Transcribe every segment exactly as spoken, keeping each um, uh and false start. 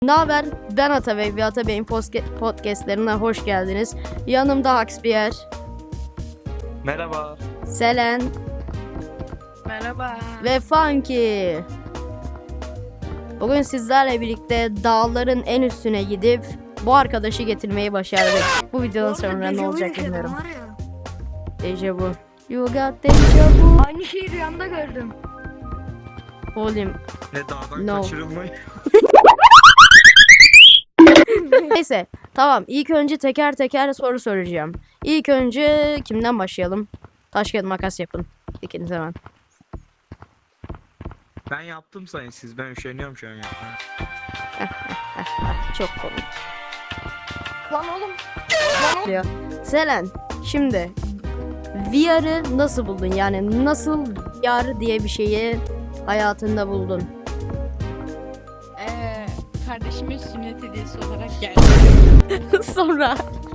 Ne haber? Ben Atabey ve Atabey'in podcastlerine hoş geldiniz. Yanımda Haxpier, Merhaba. Selen Merhaba. ve Funky. Bugün sizlerle birlikte dağların en üstüne gidip bu arkadaşı getirmeyi başardık. Bu videodan sonra ne olacak bilmiyorum. Deja vu. You got deja vu. Aynı şeyi rüyamda gördüm. Oğlum. Ne dağdan No. kaçırılmayı? Neyse, tamam. İlk önce teker teker soru soracağım. İlk önce kimden başlayalım? Taş kağıt makas yapın. İkiniz hemen. Ben yaptım sayın siz. Ben üşeniyorum şu an yapmaya. Çok komik. Lan oğlum. Diyor. Selen, şimdi V R'ı nasıl buldun? Yani nasıl V R diye bir şeyi hayatında buldun? Eee kardeşimin sünnet hediyesi olarak geldi. Sonra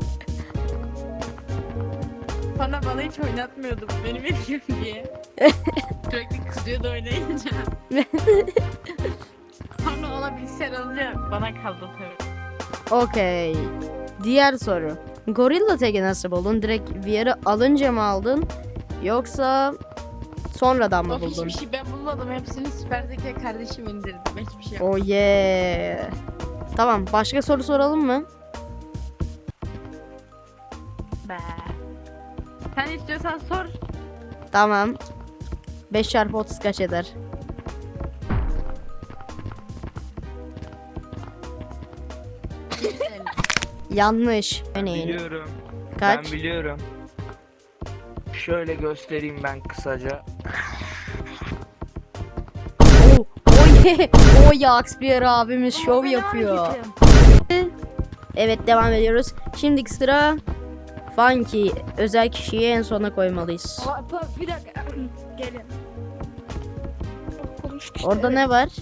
Bana bana hiç oynatmıyordu bu benim hediyem diye. Sürekli kızıyordu oynayınca. Sonra ona bilgisayar alınca bana kaldı tabii. okey. Diğer soru. Gorilla Tag'i nasıl buldun? Direkt V R'ı alınca mı aldın? Yoksa sonradan mı Of buldun? hiçbir şey ben bulmadım. Hepsini süper zeka kardeşim indirdi. Ben hiçbir şey Oh yapmadım. yeah. Tamam, başka soru soralım mı? Be. Sen istiyorsan sor. Tamam. beş çarpı otuz kaç eder? Yanlış. Örneğin. Biliyorum. Kaç? Ben biliyorum. Şöyle göstereyim ben kısaca. Oh, oh yeah. Oh yeah, Haxpier abimiz şov yapıyor. Evet, devam ediyoruz. Şimdiki sıra Funky. Özel kişiyi en sona koymalıyız. Aa, pa- bir dakika. Gelin. Konuştuk işte, Orada evet. ne var?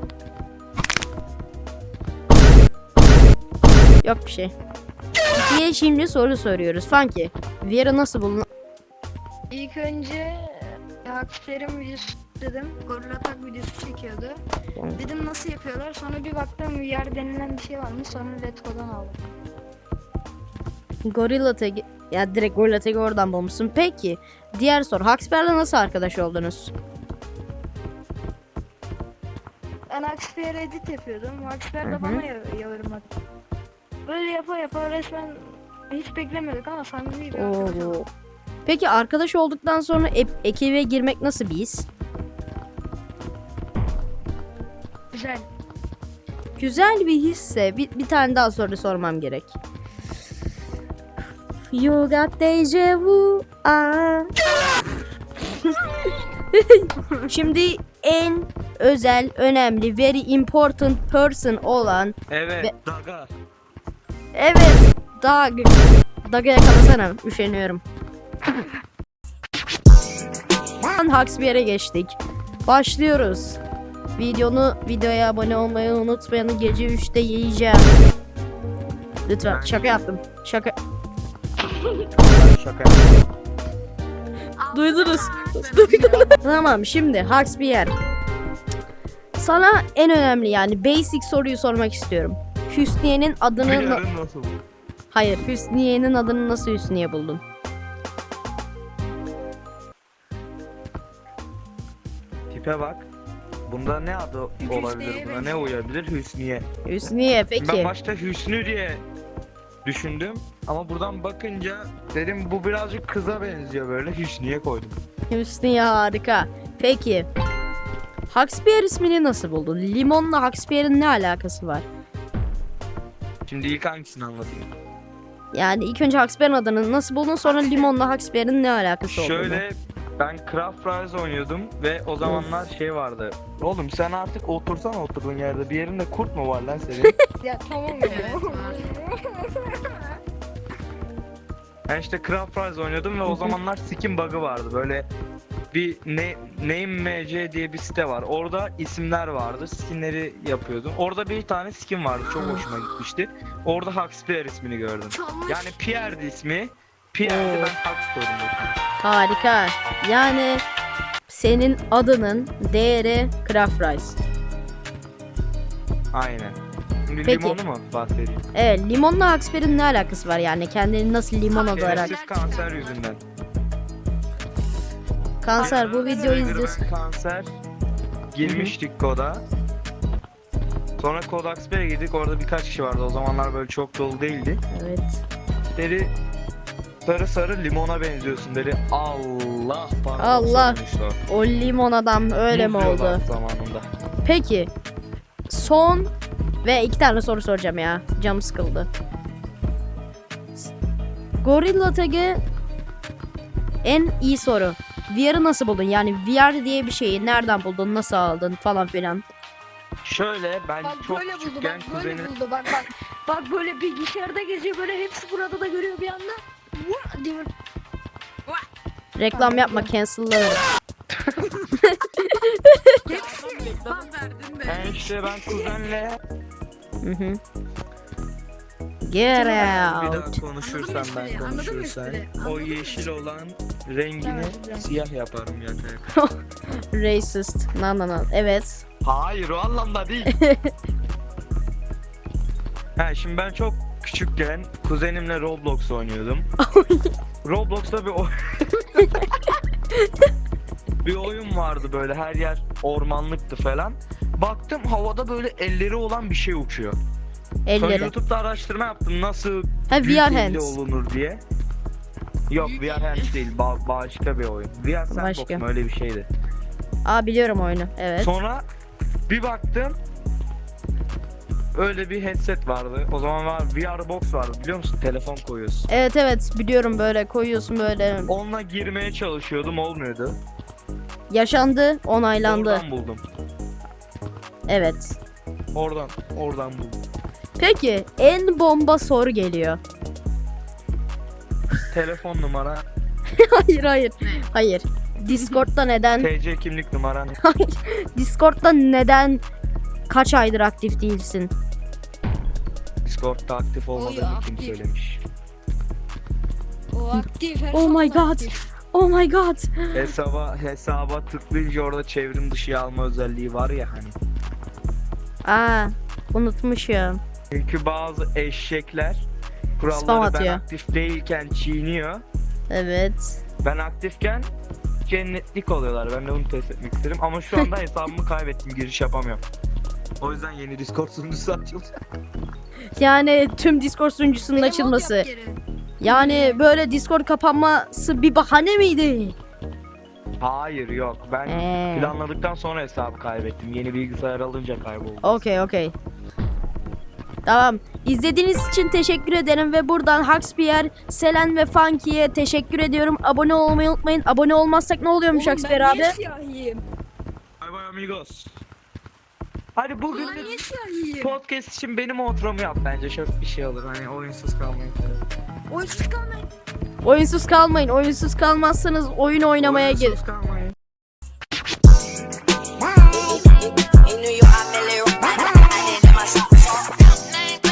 Yok bir şey. Funky'ye şimdi soru soruyoruz. Funky, V R'ı nasıl buldun? İlk önce Haksper'in videosu dedim. Gorilla Tag videosu çekiyordu. Dedim nasıl yapıyorlar? Sonra bir baktım V R denilen bir şey varmış. Sonra Letgo'dan aldım. Gorilla Tag'i, ya direkt Gorilla Tag'i oradan bulmuşsun. Peki, diğer soru. Haxper'le nasıl arkadaş oldunuz? Ben Haksper'e edit yapıyordum. Haksper Hı hı. de bana ya- yorum attı. Böyle yapa yapa resmen hiç beklemiyorduk ama samimi bir arkadaş Oo. olduk. Peki arkadaş olduktan sonra e- ekibe girmek nasıl bir his? Güzel. Güzel bir hisse. Bir, bir tane daha soru sormam gerek. You got deja vu. Aa. Şimdi en özel, önemli, very important person olan, Evet. Ve- Daga. evet, Dag. Dag'a yakalasana, üşeniyorum. Haxpier'e geçtik. Başlıyoruz. Videonu videoya abone olmayı unutmayın. Gece üçte yiyeceğim. Lütfen, Ben- şaka yaptım. Şaka. Şaka. Duydunuz. Duydunuz. Tamam, şimdi Haxpier. Sana en önemli, yani basic soruyu sormak istiyorum. Hüsniye'nin adını... na- Yarın nasıl? Hayır, Hüsniye'nin adını nasıl Hüsniye buldun? Tipe bak. Bunda ne adı olabilir? Buna ne uyabilir? Hüsniye. Hüsniye, Ben peki. başta Hüsnü diye düşündüm. Ama buradan bakınca dedim bu birazcık kıza benziyor böyle. Hüsniye koydum. Hüsniye harika. Peki. Haxpier ismini nasıl buldun? Limonla Haxpier'in ne alakası var? Şimdi ilk hangisini anlatayım? Yani ilk önce Haxpier'in adını nasıl buldun, sonra limonla Haxpier'in ne alakası olduğunu. Şöyle ben Craft Rise oynuyordum ve o zamanlar şey vardı. Oğlum sen artık otursana oturduğun yerde. Bir yerinde kurt mu var lan senin? Ya tamam ya. Ben işte Craft Rise oynuyordum ve o zamanlar skin bug'ı vardı. Böyle bir ne, Name M C diye bir site var. Orada isimler vardı. Skinleri yapıyordum. Orada bir tane skin vardı. Çok hoşuma gitmişti. Orada Haxpier ismini gördüm. Yani Pierre'di ismi. Pierre'di, ben Hax koydum. Harika. Yani senin adının değeri Craft Rice. Aynen. Şimdi Peki. limonu mu bahsedeyim? Evet, limonla Haksper'in ne alakası var yani? Kendini nasıl limon olarak? Şerefsiz kanser yüzünden. Kanser bu videoyu Spider-Man izliyorsun. Kanser girmiştik koda. Sonra kod Haksper'e girdik. Orada birkaç kişi vardı. O zamanlar böyle çok dolu değildi. Evet. Dedi sarı sarı limona benziyorsun dedi. Allah pardon. Allah. sormuş o. O limon adam öyle mi Muz diyorlar oldu? Zamanında. Peki. Son ve iki tane soru soracağım ya. Canım sıkıldı. Gorilla Tag'ı en iyi soru. V R'ı nasıl buldun? Yani V R diye bir şeyi nereden buldun, nasıl aldın falan filan. Şöyle ben Bak çok böyle buldu küçükken bak böyle kuzenim buldu bak bak. Bak böyle bilgisayarda geziyor böyle hepsi burada da görüyor bir anda. Vah diye böyle- Reklam yapma, cancel'lanır. Reklam verdin de. ben işte ben kuzenle Hı hı. Get bir daha out. konuşursan Anladın mı ben espriyi? Anladın mı konuşursan espriyi? o Anladın mı yeşil espriyi? olan rengini Evet, evet. siyah yaparım yani. Racist. Na na na. Evet. Hayır o anlamda değil. Ha şimdi ben çok küçükken kuzenimle Roblox oynuyordum. Roblox'ta bir o- bir oyun vardı böyle her yer ormanlıktı falan. Baktım havada böyle elleri olan bir şey uçuyor. Sonra Elleri. YouTube'da araştırma yaptım nasıl Ha V büyük R elli hands. olunur diye. Yok V R Hands değil ba- başka bir oyun. V R Sandbox Başka. mu öyle bir şeydi. Aa biliyorum oyunu. Evet. Sonra bir baktım öyle bir headset vardı. O zaman var V R Box vardı biliyor musun? Telefon koyuyorsun. Evet evet biliyorum, böyle koyuyorsun böyle. Onunla girmeye çalışıyordum olmuyordu. Yaşandı, onaylandı. Oradan buldum. Evet. Oradan, oradan buldum. Peki en bomba soru geliyor. Telefon numara, Hayır hayır. Hayır. Discord'da neden? T C kimlik numaran. Discord'da neden kaç aydır aktif değilsin? Discord'da aktif olmadığını kim aktif. söylemiş? O aktif her Oh my zaman god. aktif. Oh my god. Hesaba hesaba tıklayınca orada çevrim dışı alma özelliği var ya hani. Aa, unutmuşum. Çünkü bazı eşekler Spam kuralları ben atıyor. aktif değilken çiğniyor. Evet. Ben aktifken cennetlik oluyorlar. Ben de bunu test etmek isterim. Ama şu anda hesabımı kaybettim. Giriş yapamıyorum. O yüzden yeni Discord sunucusu açıldı. Yani tüm Discord sunucusunun Bir de mod açılması. yap geri. Yani böyle Discord kapanması bir bahane miydi? Hayır yok. Ben Ee. planladıktan sonra hesabı kaybettim. Yeni bilgisayar alınca kayboldu. Okey okey. Tamam. İzlediğiniz için teşekkür ederim ve buradan Haxpier, Selen ve Funky'ye teşekkür ediyorum. Abone olmayı unutmayın. Abone olmazsak ne oluyormuş Oğlum Haxpier ben abi? niye siyahiyim? Bye bye amigos. Hadi bugün Ulan de niye siyahiyim? podcast için benim outro'mu yap bence. Çok bir şey olur. Hani oyunsuz kalmayın. Oyunsuz kalmayın. Oyunsuz kalmayın. Oyunsuz kalmazsanız oyun oynamaya gel. Oyunsuz kalmayın.